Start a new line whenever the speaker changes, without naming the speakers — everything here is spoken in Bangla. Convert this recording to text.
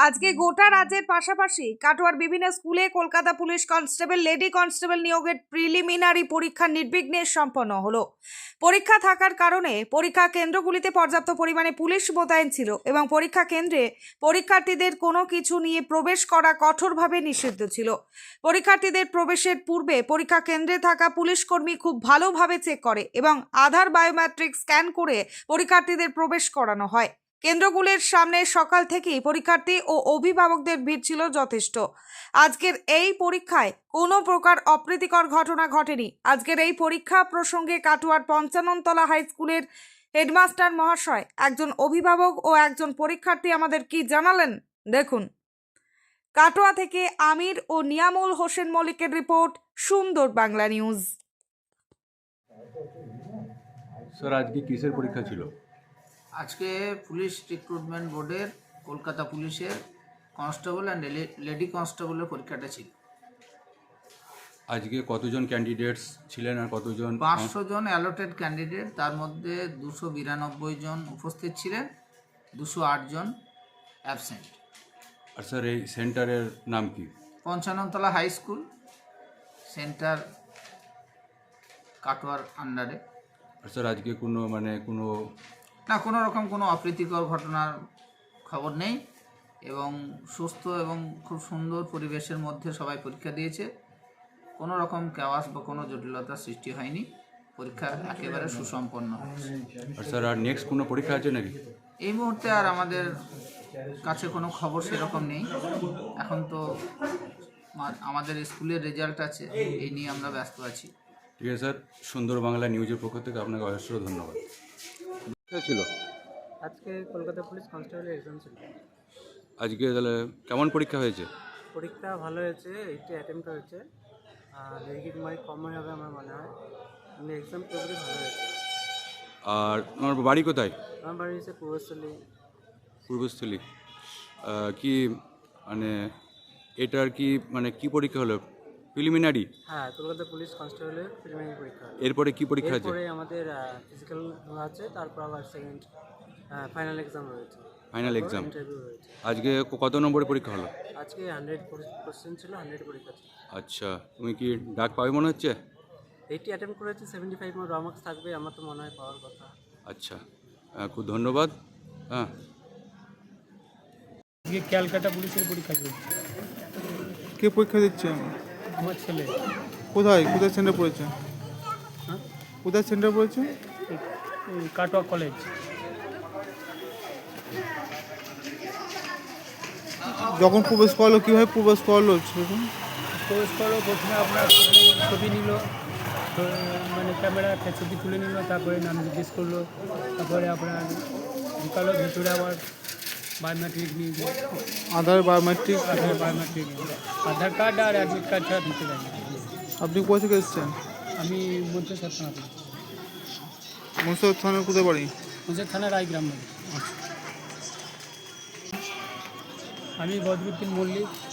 আজকে গোটা রাজ্যের পাশাপাশি কাটোয়ার বিভিন্ন স্কুলে Kolkata police constable lady constable নিয়োগের প্রিলিমিনারি পরীক্ষা নির্বিঘ্নে সম্পন্ন হলো। পরীক্ষা থাকার কারণে পরীক্ষা কেন্দ্রগুলিতে পর্যাপ্ত পরিমাণে পুলিশ মোতায়েন ছিল এবং পরীক্ষা কেন্দ্রে পরীক্ষার্থীদের কোনো কিছু নিয়ে প্রবেশ করা কঠোরভাবে নিষিদ্ধ ছিল। পরীক্ষার্থীদের প্রবেশের পূর্বে পরীক্ষা কেন্দ্রে থাকা পুলিশ কর্মী খুব ভালোভাবে চেক করে এবং আধার বায়োমেট্রিক স্ক্যান করে পরীক্ষার্থীদের প্রবেশ করানো হয়। কেন্দ্রগুলির সামনে সকাল থেকেই পরীক্ষার্থী ও অভিভাবকদের ভিড় ছিল যথেষ্ট। আজকের এই পরীক্ষায় কোনো প্রকার অপ্রীতিকর ঘটনা ঘটেনি। আজকের এই পরীক্ষা প্রসঙ্গে কাটোয়ার পঞ্চাননতলা হাই স্কুলের হেডমাস্টার মহাশয়, একজন অভিভাবক ও একজন পরীক্ষার্থী আমাদের কি জানালেন দেখুন। কাটোয়া থেকে আমির ও নিয়ামুল হোসেন মল্লিকের রিপোর্ট, সুন্দর বাংলা নিউজ।
স্যার, আজকে কিসের পরীক্ষা ছিল?
আজকে পুলিশ রিক্রুটমেন্ট বোর্ডের কলকাতা পুলিশের কনস্টেবল অ্যান্ড লেডি কনস্টেবলের পরীক্ষাটা ছিল।
আজকে কতজন ক্যান্ডিডেটস ছিলেন আর কতজন?
500 জন অ্যালোটেড ক্যান্ডিডেট, তার মধ্যে 292 জন উপস্থিত ছিলেন, 208 জন অ্যাবসেন্ট।
আর স্যার, এই সেন্টারের নাম কি?
পঞ্চাননতলা হাই স্কুল, সেন্টার কাটোয়ার আন্ডারে।
আর স্যার, আজকে
কোনো রকম কোনো অপ্রীতিকর ঘটনার খবর নেই এবং সুস্থ এবং খুব সুন্দর পরিবেশের মধ্যে সবাই পরীক্ষা দিয়েছে। কোনো রকম কেওয়াস বা কোনো জটিলতার সৃষ্টি হয়নি। পরীক্ষা একেবারে সুসম্পন্ন হয়েছে।
আর স্যার, আর নেক্সট কোনো পরীক্ষা আছে নাকি?
এই মুহূর্তে আর আমাদের কাছে কোনো খবর সেরকম নেই। এখন তো আমাদের স্কুলের রেজাল্ট আছে, এই নিয়ে আমরা ব্যস্ত আছি।
ঠিক আছে স্যার, সুন্দর বাংলা নিউজের পক্ষ থেকে আপনাকে অজস্র ধন্যবাদ। ছিল
আজকে কলকাতা পুলিশ কনস্টেবলের এক্সাম ছিল।
আজকে তাহলে কেমন পরীক্ষা হয়েছে?
পরীক্ষা ভালো হয়েছে, 80 অ্যাটেম্প্ট হয়েছে, আর নেগেটিভ মার্ক কমই হবে আমার মনে হয়। কিন্তু এক্সাম পুরোপুরি ভালো হয়েছে।
আর আমার বাড়ি কোথায়?
আমার বাড়ি হচ্ছে পূর্বস্থলী।
পূর্বস্থলী। কি এটার কি পরীক্ষা হলো? প্রিলিমিনারি?
হ্যাঁ, কলকাতা পুলিশ কনস্টেবলের প্রিলিমিনারি পরীক্ষা।
এরপরে কি পরীক্ষা আছে?
এরপরে আমাদের ফিজিক্যাল আছে, তারপর আবার সেকেন্ড ফাইনাল এক্সাম রয়েছে।
Final exam.
ইন্টারভিউ রয়েছে।
আজকে কত নম্বরের পরীক্ষা হলো?
আজকে 100 কোশ্চেন ছিল, 100 পরীক্ষা ছিল।
আচ্ছা, তুমি কি ডাক পাবে মনে হচ্ছে?
80 অ্যাটেম্প্ট করেছি, 75 র মার্কস থাকবে, আমার তো মনে হয় পাওয়ার কথা।
আচ্ছা, খুব ধন্যবাদ। হ্যাঁ,
আজকে ক্যালকাটা পুলিশের পরীক্ষা চলছে।
কে পরীক্ষা দিচ্ছে?
আমার ছেলে।
কোথায় কোথায় সেন্টার পড়েছে?
হ্যাঁ,
কোথায় সেন্টার পড়েছে?
এই কাটোয়া কলেজ।
যখন প্রবেশ করলো কীভাবে প্রবেশ করলো সেরকম?
প্রবেশ করলো, প্রথমে আপনার ছবি নিল, ক্যামেরা একটা ছবি তুলে নিল, তারপরে নাম জিজ্ঞেস করলো, তারপরে আপনার ঢুকালো ভেতরে, আবার বায়োমেট্রিক নিয়ে গেল।
Aadhaar biometric?
Biometric Aadhaar card আর অ্যাডমিট কার্ড ছাড়া ঢুকতে দেয়নি।
আপনি কোথা থেকে এসেছেন?
আমি মধ্যে থানা থেকে।
মনসুর থানার কোথায় বাড়ি?
মধ্যে থানা রায়গ্রাম বাড়ি। আমি বদরুদ্দিন মল্লিক।